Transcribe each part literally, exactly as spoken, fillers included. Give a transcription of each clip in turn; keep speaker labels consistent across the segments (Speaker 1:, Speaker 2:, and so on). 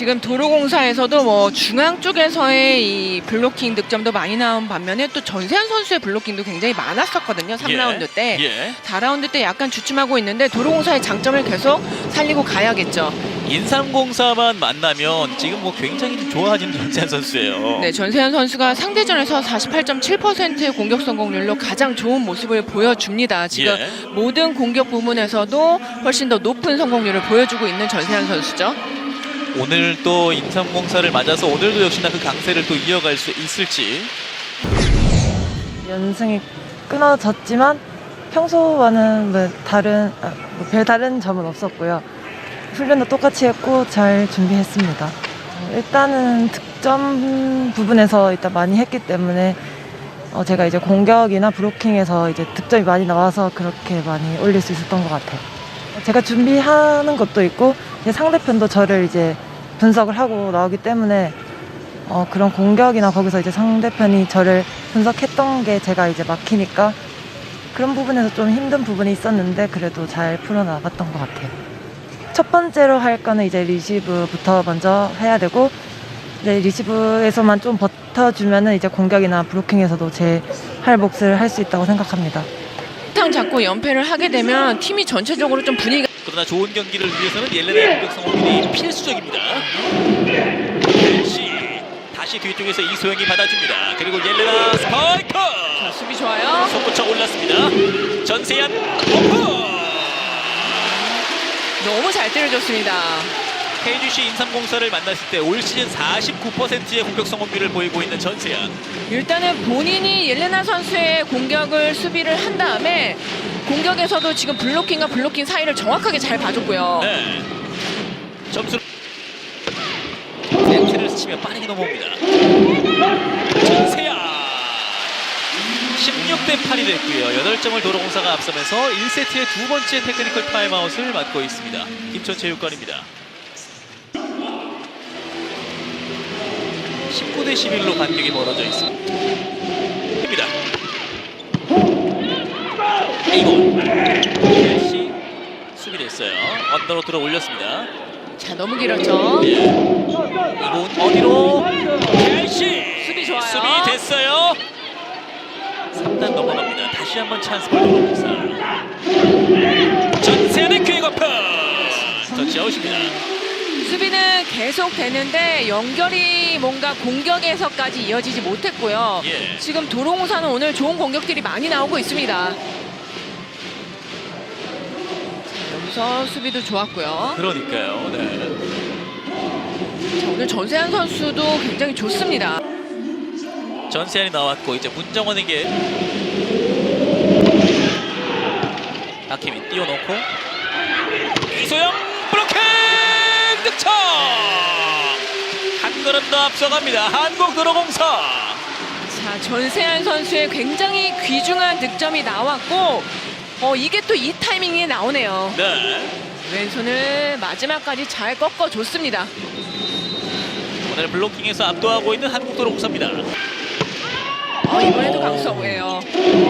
Speaker 1: 지금 도로공사에서도 뭐 중앙 쪽에서의 이 블로킹 득점도 많이 나온 반면에 또 전세현 선수의 블로킹도 굉장히 많았었거든요. 삼 라운드 때.
Speaker 2: 예.
Speaker 1: 사 라운드 때 약간 주춤하고 있는데 도로공사의 장점을 계속 살리고 가야겠죠.
Speaker 2: 인삼공사만 만나면 지금 뭐 굉장히 좀 좋아지는 전세현 선수예요.
Speaker 1: 네, 전세현 선수가 상대전에서 사십팔 점 칠 퍼센트의 공격 성공률로 가장 좋은 모습을 보여줍니다. 지금
Speaker 2: 예.
Speaker 1: 모든 공격 부문에서도 훨씬 더 높은 성공률을 보여주고 있는 전세현 선수죠.
Speaker 2: 오늘 또 인삼공사를 맞아서 오늘도 역시나 그 강세를 또 이어갈 수 있을지.
Speaker 3: 연승이 끊어졌지만 평소와는 뭐 다른 아, 뭐 별다른 점은 없었고요. 훈련도 똑같이 했고 잘 준비했습니다. 어, 일단은 득점 부분에서 일단 많이 했기 때문에 어, 제가 이제 공격이나 브로킹에서 이제 득점이 많이 나와서 그렇게 많이 올릴 수 있었던 것 같아요. 제가 준비하는 것도 있고 이제 상대편도 저를 이제 분석을 하고 나오기 때문에 어, 그런 공격이나 거기서 이제 상대편이 저를 분석했던 게 제가 이제 막히니까 그런 부분에서 좀 힘든 부분이 있었는데 그래도 잘 풀어나갔던 것 같아요. 첫 번째로 할 거는 이제 리시브부터 먼저 해야 되고 이제 리시브에서만 좀 버텨주면은 이제 공격이나 브로킹에서도 제 할 몫을 할 수 있다고 생각합니다.
Speaker 1: 탕 잡고 연패를 하게 되면 팀이 전체적으로 좀 분위기가
Speaker 2: 그러나 좋은 경기를 위해서는 옐레나의 공격 성공률이 필수적입니다. 첼시 다시 뒤쪽에서 이소영이 받아줍니다. 그리고 옐레나 스파이크!
Speaker 1: 자, 수비 좋아요.
Speaker 2: 손붙여 올랐습니다. 전세현 오프!
Speaker 1: 너무 잘 때려줬습니다.
Speaker 2: 케이지씨 인삼공사를 만났을 때 올 시즌 사십구 퍼센트의 공격 성공률을 보이고 있는 전세현.
Speaker 1: 일단은 본인이 옐레나 선수의 공격을 수비를 한 다음에 공격에서도 지금 블로킹과 블로킹 사이를 정확하게 잘 봐줬고요.
Speaker 2: 네. 점수 세트를 스치며 빠르게 넘어옵니다. 전세현 십육 대 팔이 됐고요. 여덟 점을 도로공사가 앞서면서 일 세트의 두 번째 테크니컬 타임아웃을 맞고 있습니다. 김천체육관입니다. 십구 대 십일로 간격이 멀어져 있습니다. 입니다. 이곳 첼시 수비됐어요. 언더로 들어 올렸습니다.
Speaker 1: 자, 너무 길었죠.
Speaker 2: 예. 이곳 어디로 첼시
Speaker 1: 수비 좋아요.
Speaker 2: 수비 됐어요. 삼 단 넘어갑니다. 다시 한번 찬스 볼 도로공사. 전세현의 퀵오프 터치아웃입니다.
Speaker 1: 수비는 계속 되는데 연결이 뭔가 공격에서까지 이어지지 못했고요.
Speaker 2: 예.
Speaker 1: 지금 도로공사는 오늘 좋은 공격들이 많이 나오고 있습니다. 자, 여기서 수비도 좋았고요.
Speaker 2: 그러니까요. 네.
Speaker 1: 자, 오늘 전세현 선수도 굉장히 좋습니다.
Speaker 2: 전세현이 나왔고 이제 문정원에게 박희민 띄워놓고 이소영 블로킹 득점! 한 걸음 더 앞서갑니다. 한국도로공사.
Speaker 1: 자, 전세현 선수의 굉장히 귀중한 득점이 나왔고 어, 이게 또 이 타이밍에 나오네요.
Speaker 2: 네.
Speaker 1: 왼손을 마지막까지 잘 꺾어줬습니다.
Speaker 2: 오늘 블로킹에서 압도하고 있는 한국도로공사입니다.
Speaker 1: 어, 이번에도 강수업이에요.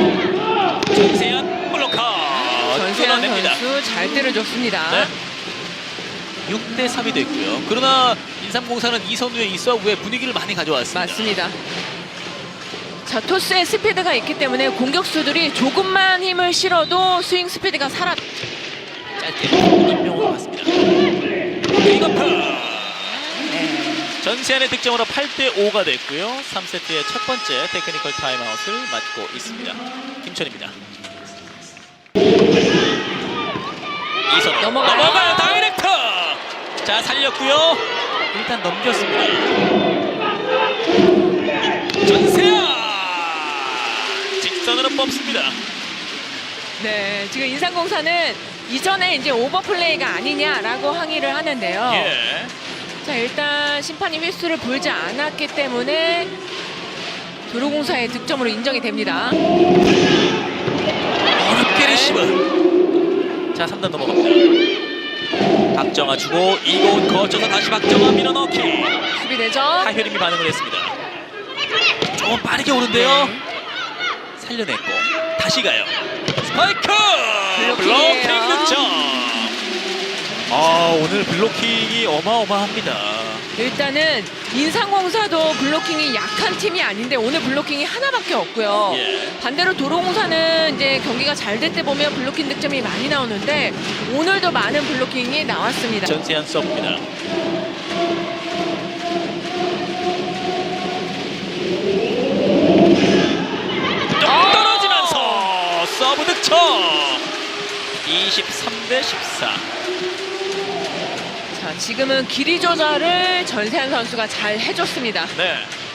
Speaker 2: 전세현 블로커
Speaker 1: 전세현
Speaker 2: 끊어냅니다.
Speaker 1: 선수 잘 때려줬습니다.
Speaker 2: 네. 육 대 삼이 됐고요. 그러나 인삼공사는 이선우의 이 서브에 분위기를 많이 가져왔습니다.
Speaker 1: 맞습니다. 자, 토스의 스피드가 있기 때문에 공격수들이 조금만 힘을 실어도 스윙 스피드가 살아.
Speaker 2: 짧게 임명으로 갔습니다. 빅어프
Speaker 1: 네.
Speaker 2: 전세현의 득점으로 팔 대 오가 됐고요. 삼 세트의 첫 번째 테크니컬 타임아웃을 맞고 있습니다. 김천입니다. 이선우
Speaker 1: 넘어가요.
Speaker 2: 넘어가요. 다이렉트. 자, 살렸고요. 일단 넘겼습니다. 전세현 직선으로 뽑습니다.
Speaker 1: 네, 지금 인삼공사는 이전에 이제 오버플레이가 아니냐라고 항의를 하는데요.
Speaker 2: 예.
Speaker 1: 자, 일단 심판이 휘슬을 불지 않았기 때문에 도로공사의 득점으로 인정이 됩니다.
Speaker 2: 어렵게 리시브. 자, 삼 단 넘어갑니다. 박정아 주고 이곳 거쳐서 다시 박정아 밀어넣기.
Speaker 1: 수비되죠?
Speaker 2: 하효림이 반응을 했습니다. 조금 빠르게 오는데요.
Speaker 1: 네.
Speaker 2: 살려냈고 다시 가요. 스파이크!
Speaker 1: 블로킹이에요.
Speaker 2: 블로킹 득점. 아, 오늘 블로킹이 어마어마합니다.
Speaker 1: 일단은 인상공사도 블로킹이 약한 팀이 아닌데 오늘 블로킹이 하나밖에 없고요.
Speaker 2: 예.
Speaker 1: 반대로 도로공사는 이제 경기가 잘 될 때 보면 블로킹 득점이 많이 나오는데 오늘도 많은 블로킹이 나왔습니다.
Speaker 2: 전세한 서브입니다. 뚝 떨어지면서 서브 득점. 이십삼 대 십사.
Speaker 1: 자, 지금은 길이 조절을 전세한 선수가 잘 해줬습니다.
Speaker 2: 네.